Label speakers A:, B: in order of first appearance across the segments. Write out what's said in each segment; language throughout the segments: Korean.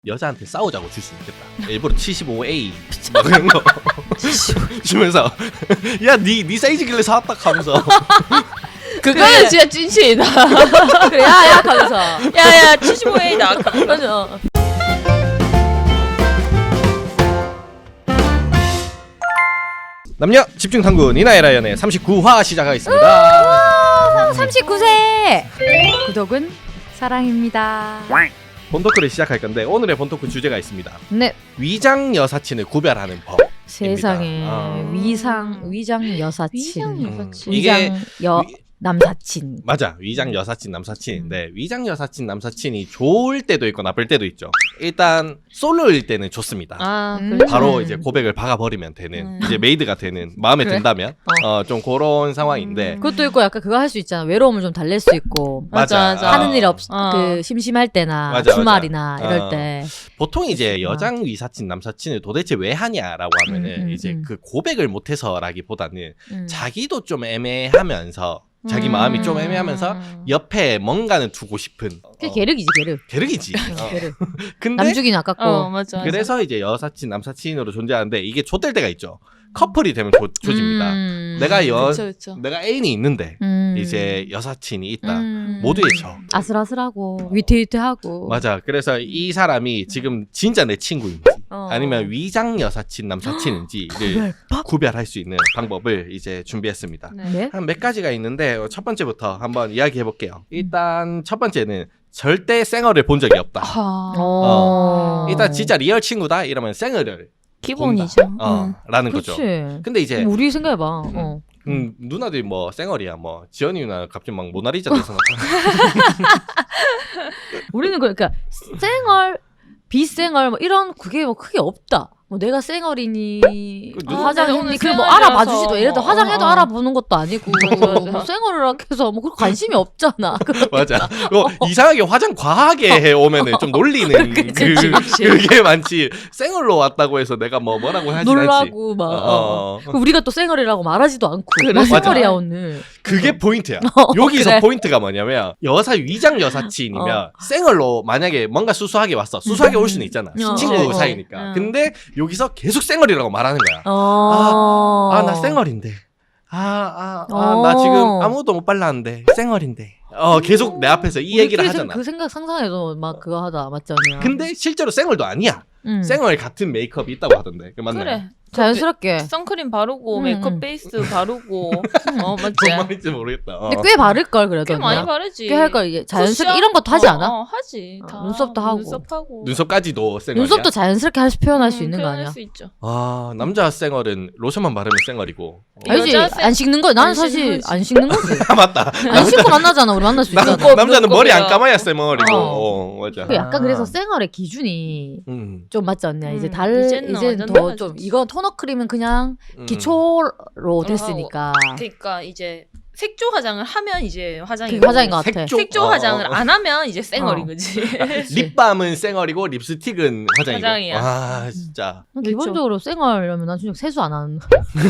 A: 여자한테 싸우자고 줄 수 있겠다. 일부러 75A 막 그런 거 주면서 야 니 사이즈길래 사왔다 하면서
B: 그거는 진짜 찐친이다.
C: 그래 야야 하면서
B: 야야 75A다.
C: 맞아.
A: 남녀 집중 탐구 니나의 연애 39화 시작하겠습니다.
C: 39세 구독은 사랑입니다.
A: 본토크를 시작할 건데 오늘의 본토크 주제가 있습니다.
C: 네.
A: 위장 여사친을 구별하는 법.
C: 세상에
A: 아.
C: 위장 여사친.
B: 위장 여사친.
A: 이게
C: 남사친.
A: 맞아. 위장 여사친 남사친인데 위장 여사친 남사친이 좋을 때도 있고 나쁠 때도 있죠. 일단 솔로일 때는 좋습니다.
B: 아,
A: 바로 이제 고백을 박아버리면 되는 이제 메이드가 되는 마음에
C: 그래?
A: 든다면 좀 그런 상황인데
C: 그것도 있고 약간 그거 할 수 있잖아. 외로움을 좀 달랠 수 있고.
A: 맞아.
C: 하는 일
B: 어.
C: 그 심심할 때나
A: 맞아,
C: 주말이나
A: 맞아.
C: 이럴 때.
A: 보통 이제 여장 위사친 남사친을 도대체 왜 하냐라고 하면은 이제 그 고백을 못해서라기보다는 자기도 좀 애매하면서 자기 마음이 좀 애매하면서 옆에 뭔가는 두고 싶은
C: 그게 계륵이지 계륵.
A: 계륵이지.
C: 계륵.
A: 근데
C: 남주기는 아깝고.
B: 맞아.
A: 그래서 이제 여사친 남사친으로 존재하는데 이게 좆될 때가 있죠. 커플이 되면 조집니다. 내가 애인이 있는데 이제 여사친이 있다. 모두의 저.
C: 아슬아슬하고 위태위태하고.
A: 맞아. 그래서 이 사람이 지금 진짜 내 친구인지 아니면 위장 여사친 남사친인지를 구별할 수 있는 방법을 이제 준비했습니다.
C: 네?
A: 한 몇 가지가 있는데 첫 번째부터 한번 이야기해 볼게요. 일단 첫 번째는 절대 쌩얼을 본 적이 없다. 일단 진짜 리얼 친구다 이러면 쌩얼을
B: 기본이죠.
A: 라는 거죠.
C: 그렇지.
A: 근데 이제
C: 우리 생각해봐.
A: 누나들이 뭐 쌩얼이야 뭐 지연이 누나 갑자기 막 모나리자 돼서 나타나.
C: 우리는 그러니까 쌩얼, 비쌩얼 뭐 이런 그게 뭐 크게 없다. 뭐 내가 쌩얼이니 화장했니 그 뭐 알아봐주지도 예를 들어 화장해도 알아보는 것도 아니고 뭐 쌩얼이라 해서 뭐 그런 관심이 없잖아.
A: 맞아. 이상하게 화장 과하게 해 오면은 좀 놀리는 그게 많지. 쌩얼로 왔다고 해서 내가 뭐라고 하지 않지.
C: 놀라고 막 우리가 또 쌩얼이라고 말하지도 않고 나 쌩얼이야 오늘.
A: 그게 포인트야. 여기서 그래. 포인트가 뭐냐면 위장 여사친이면 쌩얼로 만약에 뭔가 수수하게 왔어. 수수하게 올 수는 있잖아. 친구 사이니까. 근데 여기서 계속 쌩얼이라고 말하는 거야. 나 쌩얼인데. 나 지금 아무도 못 발랐는데 쌩얼인데. 계속 내 앞에서 이 얘기를 하잖아.
C: 그 생각 상상해도 막 그거 하다 맞지 않냐.
A: 근데 실제로 쌩얼도 아니야. 쌩얼 같은 메이크업이 있다고 하던데. 그 맞나요?
B: 그래.
C: 자연스럽게
B: 선크림 바르고 메이크업 베이스 바르고 맞지?
A: 뭔 말인지 모르겠다.
C: 근데 꽤 바를걸 그래도.
B: 꽤 많이 바르지.
C: 꽤 할걸 이게 자연스럽게 이런 것도 하지 않아?
B: 하지. 다
C: 눈썹도 하고.
B: 눈썹하고.
A: 눈썹까지도 쌩얼이야?
C: 눈썹도 자연스럽게 표현할 수 있는 거 아니야?
B: 표현할 수 있죠.
A: 남자 쌩얼은 로션만 바르면 쌩얼이고.
C: 알지? 안 씻는 거. 나는 사실 안 씻는 거지.
A: 맞다.
C: 안 씻고 만나잖아. 우리 만날 수 있잖아.
A: 남자는 머리 안 감아야 쌩얼이고. 맞아.
C: 약간 그래서 쌩얼의 기준이 좀 맞지 않냐? 이제
B: 이제는
C: 더 좀 이건 토너 크림은 그냥 기초로 됐으니까.
B: 그러니까 이제 색조 화장을 하면 이제 화장이
C: 화장인 것 같아.
B: 색조 화장을 안 하면 이제 쌩얼인 거지.
A: 립밤은 쌩얼이고 립스틱은 화장이고.
B: 화장이야.
A: 진짜.
C: 기본적으로 쌩얼이라면 난 진짜 세수 안 하는.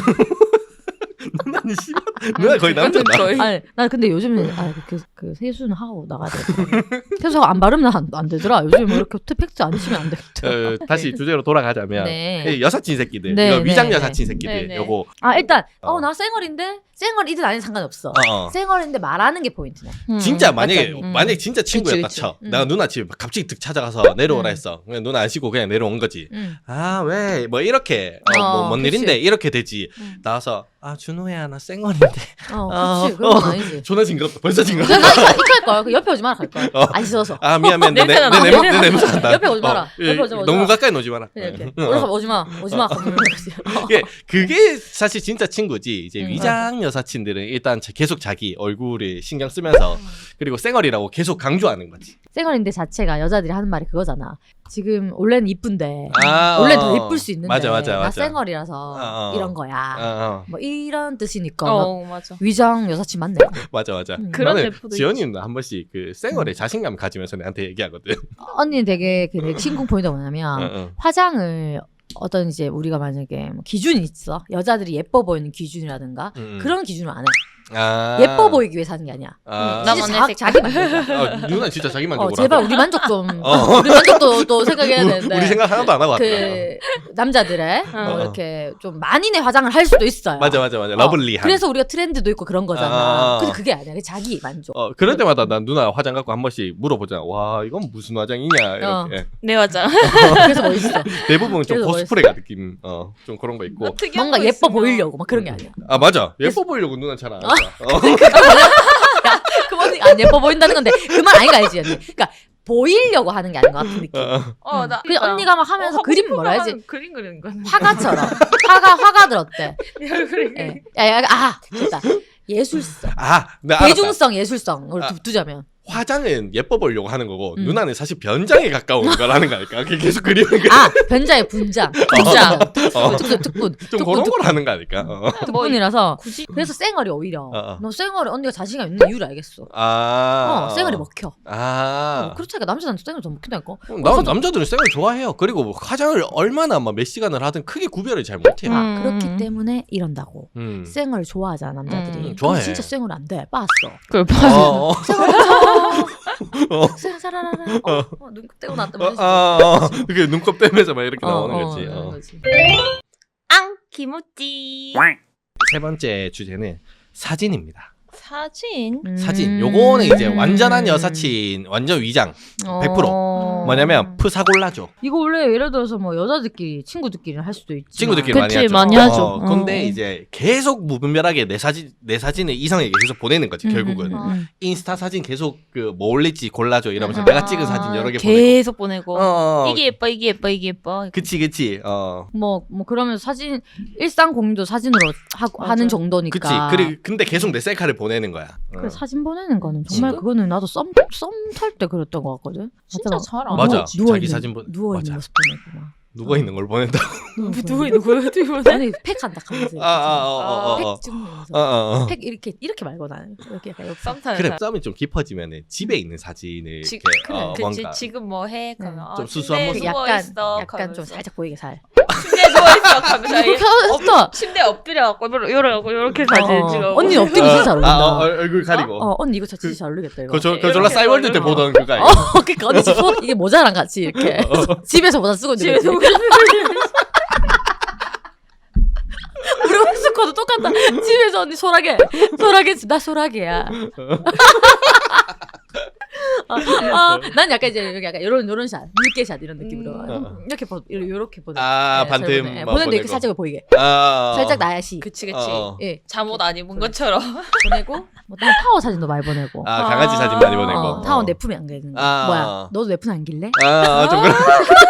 A: 누나는 싫어? 누나 거의 남자다.
C: 아니, 난 근데 요즘은 그 세수는 하고 나가야 돼. 세수하고 안 바르면 안 되더라. 요즘 뭐 이렇게 팩트 안 치면 안 되겠더라.
A: 다시 주제로 돌아가자면 여사친 새끼들, 이거 위장 여사친 새끼들, 요거.
C: 일단 나 쌩얼인데 쌩얼이든 아닌 상관없어. 쌩얼인데 말하는 게 포인트네.
A: 진짜 만약에 진짜 친구였다 쳐. 내가 누나 집 갑자기 득 찾아가서 내려오라 했어. 그냥 누나 안 쉬고 그냥 내려온 거지. 왜 뭐 이렇게 뭔 일인데 이렇게 되지. 나와서 준호야 나 쌩얼인데.
C: 그렇지. 그런 건 아니지.
A: 존나 징그럽다. 벌써 징그럽다.
C: 나 이렇게 할 걸. 옆에 오지 마라 할 걸. 안 씻어서.
A: 미안. 내 냄새 난다.
C: 옆에 오지 마라. 옆에 오지 마라.
A: 너무 가까이 오지 마라.
C: 이렇게. 오지 마.
A: 그게 사실 진짜 친구지. 이제 위장 여사친들은 일단 계속 자기 얼굴을 신경 쓰면서 그리고 쌩얼이라고 계속 강조하는 거지.
C: 쌩얼인데 자체가 여자들이 하는 말이 그거잖아. 지금 원래는 이쁜데 원래 더 이쁠 수 있는데 나 쌩얼이라서 이런 거야. 뭐 이런 뜻이니까
B: 맞아.
C: 위장 여사친 맞네.
A: 맞아.
B: 그런 래퍼도
A: 지연이는 한 번씩 그 쌩얼에 자신감 가지면서 내한테 얘기하거든.
C: 언니는 되게 그 신공 포인트가 뭐냐면 화장을 이제 우리가 만약에 뭐 기준이 있어. 여자들이 예뻐 보이는 기준이라든가 그런 기준을 안 해. 예뻐 보이기 위해 사는 게 아니야.
B: 나만
C: 진짜
B: 내
C: 자기 만족.
A: 누나 진짜 자기 만족으로
C: 제발
A: 하더라.
C: 우리 만족 좀 우리 만족도 또 생각해야 되는데.
A: 우리 생각 하나도 안 하고 왔다.
C: 그 남자들의 이렇게 좀 만인의 화장을 할 수도 있어요.
A: 맞아. 러블리한.
C: 그래서 우리가 트렌드도 있고 그런 거잖아.
A: 아.
C: 근데 그게 아니야. 그게 자기 만족.
A: 그럴 때마다 난 누나 화장 갖고 한 번씩 물어보잖아. 와 이건 무슨 화장이냐 이렇게.
B: 내 화장.
C: 그래서 뭐 있어.
A: 대부분 좀
C: 그래서
A: 코스프레가 느낌. 좀 그런 거 있고.
C: 뭔가 예뻐 보이려고 막 그런 게 아니야.
A: 아 맞아. 예뻐 보이려고 누나 잘 안 한다.
C: 그건 안 예뻐 보인다는 건데 그 말 아닌 거 알지 언니? 그러니까 보이려고 하는 게 아닌 것 같은 느낌.
B: 나
C: 그 언니가 막 하면서 그림 뭐라 해야지?
B: 그림 그리는 거.
C: 화가처럼 화가 들었대.
B: 내 얼굴이.
C: 예. 됐다. 예술성,
A: 나 알았다.
C: 대중성, 예술성을 두자면.
A: 화장은 예뻐 보이려고 하는 거고 누나는 사실 변장에 가까운 거라는 거 아닐까? 그게 계속 그리는 거.
C: 변자의 분장, 특분,
A: 좀 그런 걸 하는 거 아닐까?
C: 특분이라서
B: 굳이
C: 그래서 쌩얼이 오히려
A: 어.
C: 너 쌩얼이 언니가 자신감 있는 이유를 알겠어. 쌩얼이 먹혀. 그렇다니까 남자한테 쌩얼 좀 먹힌다니까.
A: 남자들은 쌩을 좋아해요. 그리고 뭐 화장을 얼마나 막 몇 시간을 하든 크게 구별을 잘 못해요.
C: 그렇기 때문에 이런다고 쌩얼 좋아하잖아 남자들이.
A: 좋아해.
C: 진짜 쌩얼 안 돼. 빠았어.
B: 그걸 봐서.
C: 쌩얼 사라라라. 눈곱 떼고 났다.
A: 그게 눈곱 떼면서 막 이렇게 나오는 거지.
B: 앙 김우찌.
A: 세 번째 주제는 사진입니다.
B: 사진.
A: 사진. 요거는 이제 완전한 여사친, 완전 위장. 100%. 뭐냐면 프사골라죠.
C: 이거 원래 예를 들어서 뭐 여자들끼리 친구들끼리 할 수도 있지.
A: 친구들끼리 많이
B: 그치,
A: 하죠.
B: 많이 하죠.
A: 근데 이제 계속 무분별하게 내 사진을 이상하게 계속 보내는 거지 결국은. 인스타 사진 계속 그 뭐 올릴지 골라줘 이러면서 내가 찍은 사진 여러 개
B: 계속 보내고.
A: 보내고.
B: 이게 예뻐.
A: 그치.
C: 뭐 그러면서 사진 일상 공유도 사진으로 하는 정도니까.
A: 그치. 근데 계속 내 셀카를 보내는 거야.
C: 그래, 사진 보내는 거는 정말 그거는 나도 썸 탈 때 그랬던 것 같거든.
B: 진짜 잘 안.
A: 맞아.
C: 누워
A: 자기
C: 있는,
A: 사진
C: 누워 있는
A: 맞아.
C: 모습 보내고 막.
A: 누워 있는 걸 보낸다.
B: 누구 있는 거야?
C: 아니 팩 한다 하면서. 팩 찍으면서. 팩 이렇게 말고 나는 이렇게 약간 옆에.
B: 썸 타는
A: 그래
B: 사람.
A: 썸이 좀 깊어지면은 집에 있는 사진을
B: 그래,
A: 이렇게
B: 그치. 지금 뭐 해? 그러면
A: 좀 수수한 모습.
C: 약간 좀 살짝 보이게 살.
B: 침대에 누워있어 가면서
C: 그렇게 했어.
B: 침대에 엎드려갖고 이렇게 사진 찍어.
C: 언니 엎드려 진짜 잘 어울린다.
A: 얼굴 가리고.
C: 언니 이거 진짜 잘 어울리겠다 이거.
A: 그 졸라 싸이월드 때 보던 그거 아니야?
C: 그러니까 언니 지금 이게 모자랑 같이 이렇게 집에서 모자 쓰고 있는 거지. 우리 홈스쿼드 똑같다. 집에서 언니 소라게 나 소라게야. 난 약간 이제 여기 약간 요런 샷, 물개 샷 이런 느낌으로 이렇게 보내.
A: 반틈
C: 보내는데 이렇게 살짝 보이게. 살짝 나야시.
B: 그치.
C: 예.
B: 잠옷 안 입은 것처럼.
C: 보내고 뭐 다른 타워 사진도 많이 보내고.
A: 강아지 사진 많이 보내고.
C: 타워 내 품에 안기는 거. 뭐야? 너도 내 품에 안길래?
A: 좀 그래.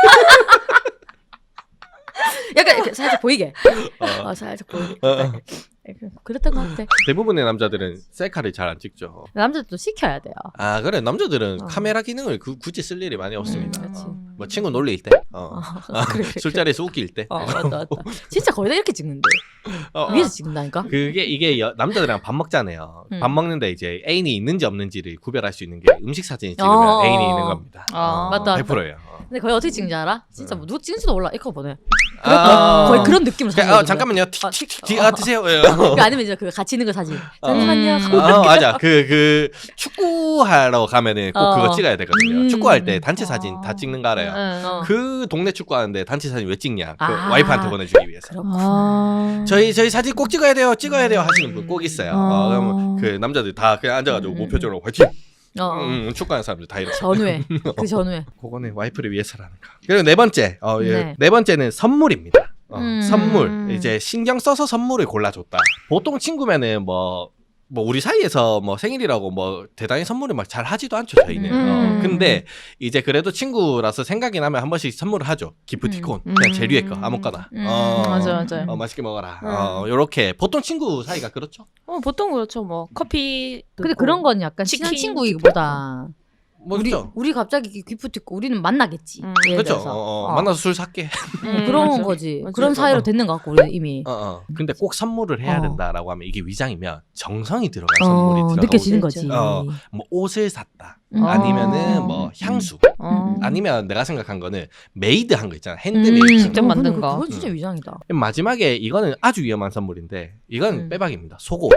C: 약간 이렇게 살짝 보이게. 살짝 보이게. 그랬던 것 같아.
A: 대부분의 남자들은 셀카를 잘 안 찍죠.
C: 남자들도 시켜야 돼요.
A: 그래 남자들은 카메라 기능을 굳이 쓸 일이 많이 없습니다.
C: 그렇지.
A: 뭐 친구 놀릴 때,
C: 그래.
A: 술자리에서 웃길 때.
C: 맞다. 진짜 거의 다 이렇게 찍는데. 위에서 찍는다니까.
A: 이게 남자들이랑 밥 먹잖아요. 밥 먹는데 이제 애인이 있는지 없는지를 구별할 수 있는 게 음식 사진을 찍으면 애인이 있는 겁니다.
C: 맞다.
A: 100%예요.
C: 근데 거의 어떻게 찍는지 알아? 진짜 뭐 누구 찍는지도 몰라. 이거 보내. 거의 그런 느낌으로 사진.
A: 잠깐만요. 드세요.
C: 아니면 이제 그 같이 있는 거 사진. 잠시만요.
A: 맞아. 그 축구하러 가면은 꼭 그거 찍어야 되거든요. 축구할 때 단체 사진 다 찍는 거 알아요? 그 동네 축구하는데 단체 사진 왜 찍냐? 그 와이프한테 보내주기 위해서.
C: 그렇구나.
A: 저희 사진 꼭 찍어야 돼요 하시는 분 꼭 있어요. 그러면 그 남자들 다 그냥 앉아가지고 무표정으로 화이팅. 축구하는 사람들 다 이렇게.
C: 전후에. 그 전후에.
A: 그거는 와이프를 위해서라는 거. 그리고 네 번째.
C: 네.
A: 네 번째는 선물입니다. 선물. 이제 신경 써서 선물을 골라줬다. 보통 친구면은 뭐 우리 사이에서 뭐 생일이라고 뭐 대단히 선물을 막 잘 하지도 않죠 저희는. 근데 이제 그래도 친구라서 생각이 나면 한 번씩 선물을 하죠. 기프티콘 그냥 제일 위에 거 아무거나.
B: 맞아요.
A: 맛있게 먹어라. 요렇게 보통 친구 사이가 그렇죠.
B: 보통 그렇죠. 뭐 커피.
C: 근데 그런 건 약간 친한 친구이기보다
A: 뭐죠?
C: 우리 갑자기 기프티콘 우리는 만나겠지.
A: 그렇죠. 만나서 술 살게.
C: 그런
B: 맞아.
C: 거지.
A: 맞아.
C: 그런 사이로 됐는 것 같고 우리 이미.
A: 근데 꼭 선물을 해야 된다라고 하면 이게 위장이면 정성이 들어간 선물이 들어가고
C: 느껴지는 거지.
A: 뭐 옷을 샀다. 아니면은 뭐 향수. 아니면 내가 생각한 거는 메이드한 거 있잖아. 핸드메이드.
B: 직접 만든 거.
C: 그건 진짜 위장이다.
A: 마지막에 이거는 아주 위험한 선물인데 이건 빼박입니다. 속옷.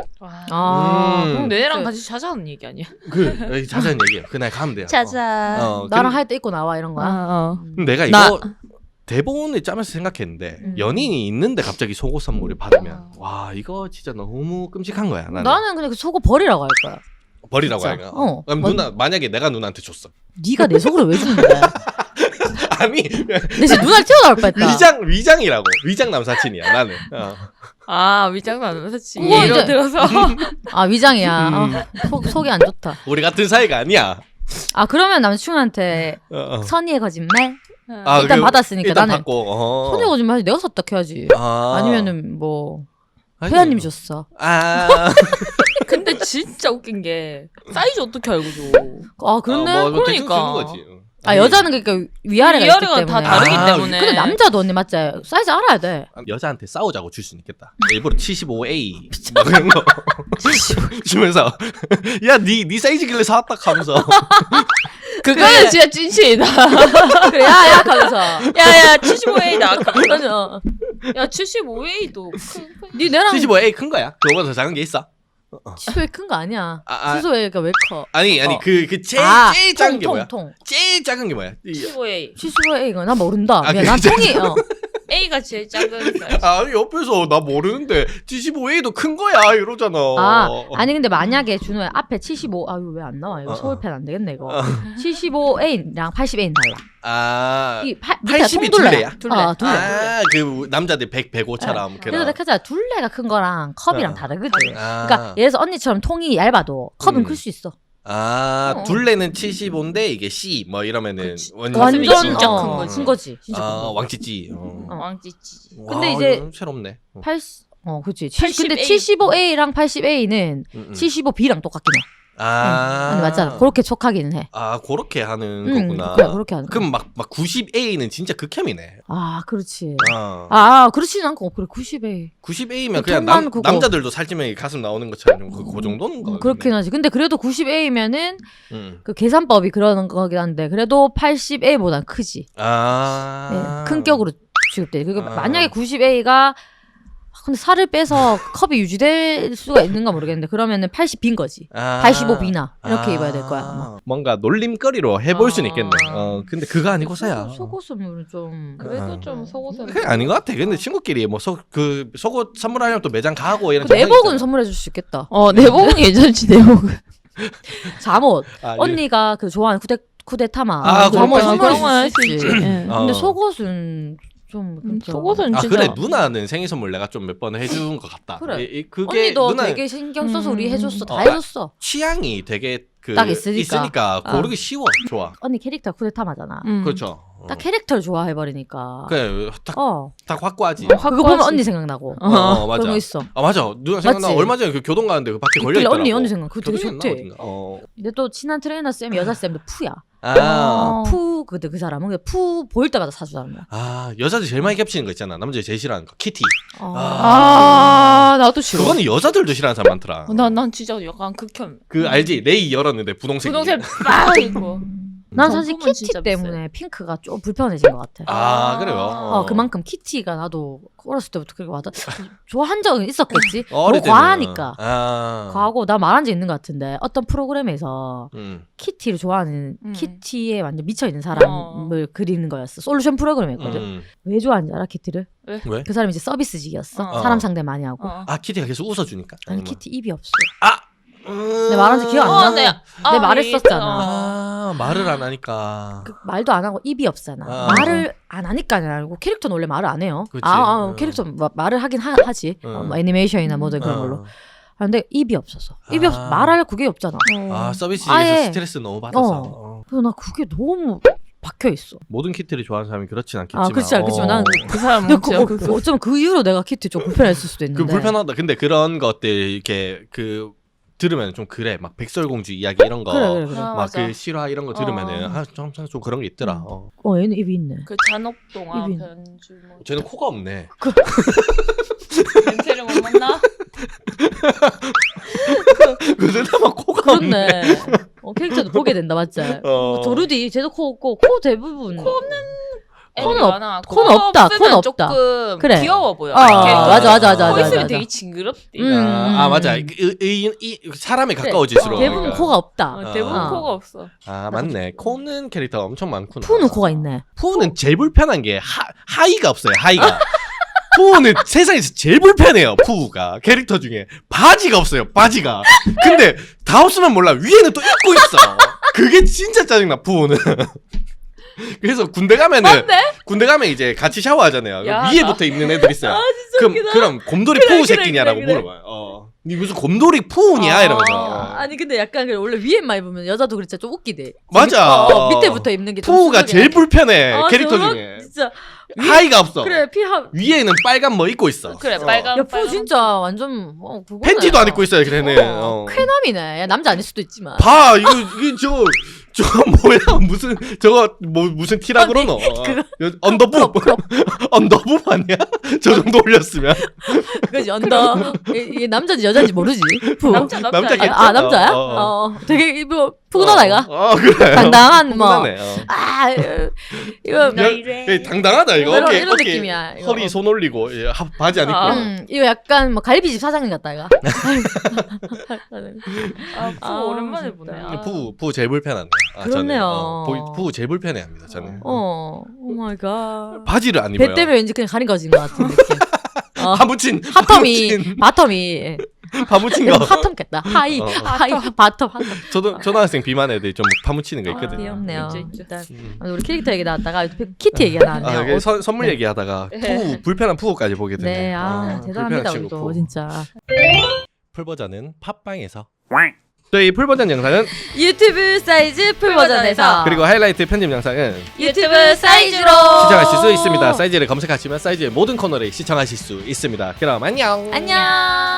B: 그럼 내랑 같이 자자는 얘기 아니야?
A: 그 자세한 얘기예요. 그날 가면 돼요.
B: 자자.
C: 나랑 할 때 입고 나와 이런 거야.
A: 내가 이거 대본을 짜면서 생각했는데 연인이 있는데 갑자기 속옷 선물을 받으면 와 이거 진짜 너무 끔찍한 거야.
C: 나는 그냥 그 속옷 버리라고 할 거야.
A: 버리라고
C: 진짜.
A: 할까? 그럼
C: 뭐-
A: 누나 만약에 내가 누나한테 줬어.
C: 네가 내 속으로 왜 주는 거야?
A: 아니
C: 내 진짜 눈알 튀어나올 뻔했다.
A: 위장이라고 위장 남사친이야 나는.
B: 위장도 안 맞았지.
C: 그거
B: 예로
C: 이제-
B: 들어서.
C: 아 위장이야. 속이 안 좋다.
A: 우리 같은 사이가 아니야.
C: 아 그러면 남친한테 선의의 거짓말 일단 받았으니까
A: 일단
C: 나는
A: 받고.
C: 선의의 거짓말 내가 샀다 해야지. 아니면은 뭐 회원님 줬어.
B: 근데 진짜 웃긴 게 사이즈 어떻게 알고 줘?
C: 아 그런데
A: 뭐 대충
B: 그러니까.
A: 주는 거지.
C: 아 여자는 그러니까 위아래가 있기
B: 위아래가 다
C: 때문에.
B: 다르기
A: 아,
B: 때문에.
C: 근데 남자도 언니 맞지? 사이즈 알아야 돼.
A: 여자한테 싸우자고 줄 수 있겠다. 일부러 75A 뭐 그런 거 주면서 야네 사이즈길래 사왔다 하면서
B: 그거는 진짜 찐친이다.
C: 그래 야야 하면서.
B: 야야 75A 나가.
C: 맞아.
B: 야 75A도
C: 니 내랑
A: 75A 큰 거야? 그거보다 더 작은 게 있어?
C: 치소에 큰 거 아니야.
A: 아.
C: 치소에가 왜 커?
A: 아니 그 제일 작은 게 뭐야?
C: 통.
A: 제일 작은 게 뭐야?
B: 75A.
C: 치소에 이거 나 모른다.
A: 아,
C: 미안, 난
A: 그게
C: 통이.
B: A가 제일 작은 사이즈.
A: 아니 옆에서 나 모르는데 75A도 큰 거야 이러잖아.
C: 아니 근데 만약에 준호야 앞에 75 아유 왜 안 나와 이거 서울펜 안 되겠네 이거. 75A랑 80A는 달라.
A: 아
C: 밑에
A: 80이
C: 통둘레야.
B: 둘레.
C: 아, 둘레.
A: 그 남자들 105처럼
C: 그래서 내가 하자 둘레가 큰 거랑 컵이랑 다르거든.
A: 아.
C: 그러니까 예를 들어서 언니처럼 통이 얇아도 컵은 클 수 있어.
A: 둘레는 75인데 이게 C 뭐 이러면은
B: 그치.
A: 완전
B: 진짜 큰 거지.
C: 큰 거지. 진짜 큰 거.
A: 왕찌찌.
B: 왕찌찌.
C: 근데 이제
A: 새롭네.
C: 80 그치.
B: 80A.
C: 근데 75A랑 80A는 75B랑 똑같긴 해. 아니 맞잖아. 그렇게 촉하기는 해.
A: 그렇게 하는 거구나.
C: 그래, 그렇게 하는 거.
A: 그럼 막 90A는 진짜 극혐이네.
C: 아, 그렇지. 그렇지는 않고 그래 90A.
A: 90A면
C: 그
A: 그냥
C: 통만 그거.
A: 남자들도 살찌면 가슴 나오는 것처럼 그 정도는 거.
C: 그렇긴 하지. 근데 그래도 90A면은
A: 음.
C: 그 계산법이 그러는 거긴 한데 그래도 80A보단 크지. 큰 격으로 취급돼. 그러니까 만약에 90A가 근데 살을 빼서 컵이 유지될 수가 있는가 모르겠는데 그러면은 80B인 거지. 85B나 이렇게 입어야 될 거야. 아마.
A: 뭔가 놀림거리로 해볼 수는 있겠네. 근데 그거 아니고서야.
C: 속옷은 좀
B: 그래도 좀 속옷은.
A: 그게 아닌 것 같아. 근데 친구끼리 뭐 속옷 선물하려면 또 매장 가고 이런.
C: 내복은 선물해 줄 수 있겠다.
B: 내복은 괜찮지 내복은.
C: 잠옷.
A: 아,
C: 언니가 그 좋아하는 쿠데타마.
A: 그런 거
C: 선물해
B: 할수
C: 줄 수 있지.
B: 있지.
C: 근데 속옷은 좀
B: 속옷은 진짜.
A: 그래 누나는 생일 선물 내가 좀 몇 번 해준 것 같다.
C: 그래.
A: 그게
C: 언니도
A: 누나
C: 되게 신경 써서 우리 해줬어. 다
A: 어,
C: 해줬어.
A: 취향이 되게
C: 딱 있으니까.
A: 고르기 쉬워. 좋아.
C: 언니 캐릭터 쿠데타마잖아.
A: 그렇죠.
C: 딱 캐릭터를 좋아해버리니까.
A: 그래 딱 확고하지.
C: 그거 보면 언니 생각나고.
A: 맞아.
C: 그런 거 있어.
A: 맞아. 누나 생각나.
C: 맞지?
A: 얼마 전에 그 교동 가는데 그 밖에 걸려
C: 있길래
A: 있더라고.
C: 언니 생각. 그거 되게 좋대. 근데 또 친한 트레이너 쌤, 여자 쌤도 푸야. 근데 그 사람은 그냥 푸 보일 때마다 사주잖아.
A: 여자들 제일 많이 겹치는 거 있잖아. 남자들 제일 싫어하는 거 키티.
B: 나도 싫어.
A: 그거는 여자들도 싫어하는 사람 많더라.
B: 난 진짜 약간 극혐.
A: 그 알지? 레이 열었는데 분홍색.
B: 분홍색 빡 있고.
C: 난 사실
B: 정품은
C: 키티
B: 진짜
C: 때문에 핑크가 좀 불편해진 것 같아.
A: 그래요.
C: 그만큼 키티가 나도 어렸을 때부터 그렇게 와다 좋아한 적은 있었겠지.
A: 어릴
C: 너무 과하니까.
A: 때는.
C: 과하고 나 말한 적 있는 것 같은데 어떤 프로그램에서 키티를 좋아하는
B: 음.
C: 키티에 완전 미쳐 있는 사람을 그리는 거였어. 솔루션 프로그램이었거든. 왜 좋아하는지 알아 키티를?
A: 왜?
C: 그 사람이 이제 서비스직이었어.
B: 어.
C: 사람 상대 많이 하고.
A: 키티가 계속 웃어주니까.
C: 아니
A: 아니면-
C: 키티 입이 없어.
A: 내
C: 말한 지 기억 안 나? 내 말했었잖아.
A: 말을 안 하니까.
C: 말도 안 하고 입이 없잖아. 말을 안 하니까는 알고 캐릭터는 원래 말을 안 해요.
A: 그치.
C: 캐릭터 말을 하긴 하지. 뭐 애니메이션이나 뭐든 그런 걸로. 근데 입이 없어서. 입이 없어. 말할 그게 없잖아.
A: 서비스에서
C: 아예.
A: 스트레스 너무 받아서.
C: 그래서 나 그게 너무 박혀 있어.
A: 모든 키티를 좋아하는 사람이 그렇진 않겠지만.
C: 그렇지 알겠지만 나는
B: 그 사람
C: 근데 어쩌면 그 이후로 내가 키티 좀 불편했을 수도 있는데.
A: 그 불편하다. 근데 그런 것들 이렇게 들으면 좀 그래. 막 백설공주 이야기 이런 거.
C: 그래.
A: 막 그 실화 이런 거 들으면은 좀 그런 게 있더라.
C: 얘는 입이 있네.
B: 그 잔혹동화
C: 입이-
B: 변주 뭐.
A: 쟤는 코가 없네.
B: 냄새를 못 맡나?
A: 그 사람은 코가 없네.
C: 그렇네. 캐릭터도 보게 된다 맞지? 조르디 쟤도 코 없고 코 대부분 코는
B: 많아.
C: 코는 없다.
B: 없으면
C: 코는 없다.
B: 조금
C: 그래.
B: 귀여워 보여.
C: 맞아.
B: 코 있으면
C: 맞아.
B: 되게 징그럽대.
A: 맞아. 사람에 가까워질수록.
C: 대부분
A: 그러니까.
C: 코가 없다.
B: 대부분
C: 어.
B: 코가 없어.
A: 맞네. 코는 캐릭터가 엄청 많구나.
C: 푸는 코가 있네.
A: 푸는 제일 불편한 게 하이가 없어요. 하이가. 푸는 세상에서 제일 불편해요. 푸가 캐릭터 중에 바지가 없어요. 바지가. 근데 다 없으면 몰라. 위에는 또 입고 있어. 그게 진짜 짜증나. 푸는. 그래서 군대 가면은 군대 가면 이제 같이 샤워하잖아요.
B: 야,
A: 위에부터 입는 애들 있어요. 그럼 곰돌이
B: 그래,
A: 푸우 새끼냐라고
B: 그래.
A: 물어봐요. 니 무슨 곰돌이 푸우냐 이러면서.
C: 아니 근데 약간 원래 위에만 입으면 여자도 그렇지 좀 웃기대.
A: 맞아.
C: 밑에부터 입는 게 좀
A: 푸우가
C: 순하게
A: 제일
C: 하지.
A: 불편해. 캐릭터 중에.
C: 진짜
A: 하이가 없어.
C: 그래 피하.
A: 위에는 빨간 뭐 입고 있어.
B: 그래 빨간.
C: 야푸 진짜 완전 그거네.
A: 팬티도 안 입고 있어요. 걔는.
C: 쾌남이네. 야, 남자 아닐 수도 있지만.
A: 봐 이거 저거 뭐야 무슨 저거 뭐 무슨 티라 그러노? 언더부 언더부 아니야? 저 정도 올렸으면
C: 그지 언더. 이게 남자인지 여자인지 모르지. 푸.
B: 남자겠지.
C: 남자야? 되게 이거 푸근하다 이거.
A: 그래.
C: 당당한 뭐.
A: 푸근하네,
C: 이거
B: 나 이래.
A: 당당하다 이거.
C: 이런
A: 어깨
C: 느낌이야. 이거.
A: 허리 손 올리고 바지 안 입고.
C: 이거 약간 뭐 갈비집 사장님 같다 이거.
B: 푸 오랜만에 보네.
A: 푸 제일 불편한데.
C: 그렇네요.
A: 푸 제일 불편해합니다. 저는.
C: 오 마이 갓.
A: 바지를 안 입어요.
C: 배 때문에 왠지 그냥 가린 거진 것 같은 느낌.
A: 파묻힌
C: 바텀이
A: 파묻힌 거.
C: 핫텀겠다. 하이 바텀.
A: 초등학생 비만 애들 좀 파묻히는 거 있거든요.
C: 귀엽네요.
B: 있죠.
C: 일단 우리 캐릭터 얘기 나왔다가 키티 얘기가 나왔네요.
A: 선물 얘기하다가 불편한 푸우까지 보게 되네.
C: 네, 대단합니다
A: 불편한
C: 우리도
A: 친구
C: 진짜.
A: 풀 버전은 팟빵에서. 저희 풀 버전 영상은
C: 유튜브 사이즈 풀 버전에서
A: 그리고 하이라이트 편집 영상은
C: 유튜브 사이즈로
A: 시청하실 수 있습니다. 사이즈를 검색하시면 사이즈의 모든 코너를 시청하실 수 있습니다. 그럼 안녕.
C: 안녕.